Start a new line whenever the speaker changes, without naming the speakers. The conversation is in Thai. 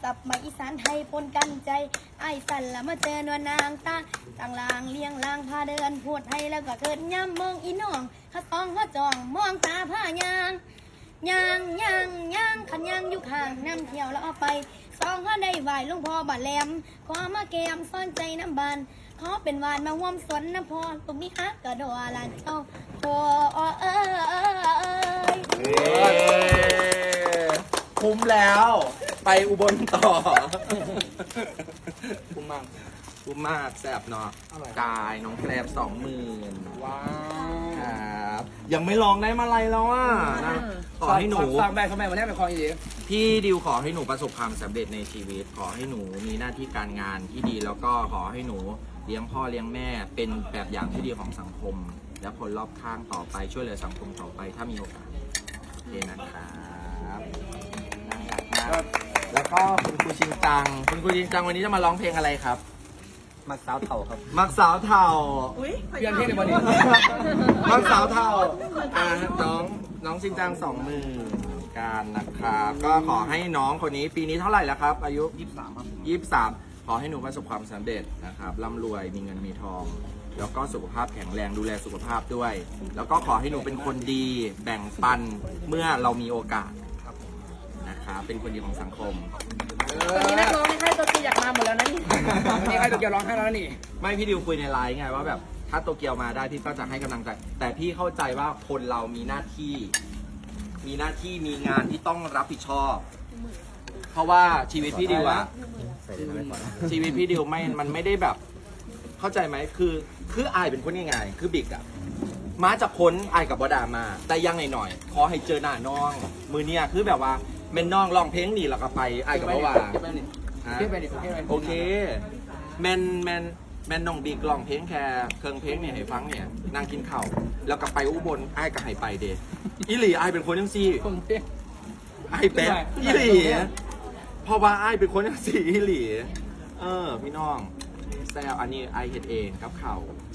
กับไม้อีสานไทยปนกันใจไอ้สันละมาเจอนวลนางตาต่างลางเลี้ยงลางพาเดินพูดไทยแล้วก็เกิดย้ำมองอีน้องข้าต้องข้าจองมองตาผ้ายางขันยางอยู่ข้างน้ำเที่ยวแล้วเอาไปสองข้าได้ไหวลุงพ่อบาดแหลมขอมาแกมซ่อนใจน้ำบานขอเป็นวานมาห่วมสวนน้ำพอตรงนี้ฮักกระโดดลานเจ้าพอ
คุ้มแล้วไปอุบลต่อคุ้มมากคุ้มมากแซ่บเนาะกายน้องแกลบ20,000ว้าวครับยังไม่ลองได้มาอะไรแล้วอ่ะนะขอให้หนู
ฟังแม่เขาแม่วันนี้เป็นคลองอีก
พี่ดิวขอให้หนูประสบความสำเร็จในชีวิตขอให้หนูมีหน้าที่การงานที่ดีแล้วก็ขอให้หนูเลี้ยงพ่อเลี้ยงแม่เป็นแบบอย่างที่ดีของสังคม และคนรอบข้างต่อไปช่วยเหลือสังคมต่อไปถ้ามีโอกาสโอเคนะครับน่ารักมากแล้วก็คุณครูชิงจังวันนี้จะมาร้องเพลงอะไรครับ
มักสาวเถ่าครับ
มักสาวเถ่า
เปลี่ยนเพลงในวันนี้
มักสาวเถ่าน้องชิงจัง20,000การนะครับก็ขอให้น้องคนนี้ปีนี้เท่าไหร่แล้วครับอายุ
23ครับ
23ขอให้หนูประสบความสำเร็จนะครับร่ำรวยมีเงินมีทองแล้วก็สุขภาพแข็งแรงดูแลสุขภาพด้วยแล้วก็ขอให้หนูเป็นคนดีแบ่งปันเมื่อเรามีโอกาสนะครับเป็นคนดีของสังคม
ตอนนี้นักร้องในค่ายตัวจีอยากมาหมดแล้วนะนี่
นี่ใครตัวเกียวร้องให้แล้วนี่
ไม่พี่ดิวคุยในไลน์ไงว่าแบบถ้าโตเกียวมาได้พี่ก็จะให้กำลังใจแต่พี่เข้าใจว่าคนเรามีหน้าที่มีงานที่ต้องรับผิดชอบเพราะว่าชีวิตพี่ดิวอะชีวิตพี่ดิวมันไม่ได้แบบเข้าใจไหมคืออายเป็นคนยังไงคือบิ๊กอะมาจากคนอายกับบอดามาแต่ยังหน่อยขอให้เจอหน้าน้องมือเนี่ยคือแบบว่าเมนน้องร้องเพลงนี่แล้วก็ไปอายกับบอว่าโอเคแมนน้องบิ๊กร้องเพลงแค่เครื่องเพลงเนี่ยให้ฟังเนี่ยนั่งกินข้าวแล้วก็ไปอุบลอายก็ให้ไปเดอีหลีอายเป็นคนยังซี่อายแป๊ะอีหลีเพราะว่าอายเป็นคนยังซี่อีหลีพี่น้องแซวอันนี้อายเฮ็ดเองกับข้าว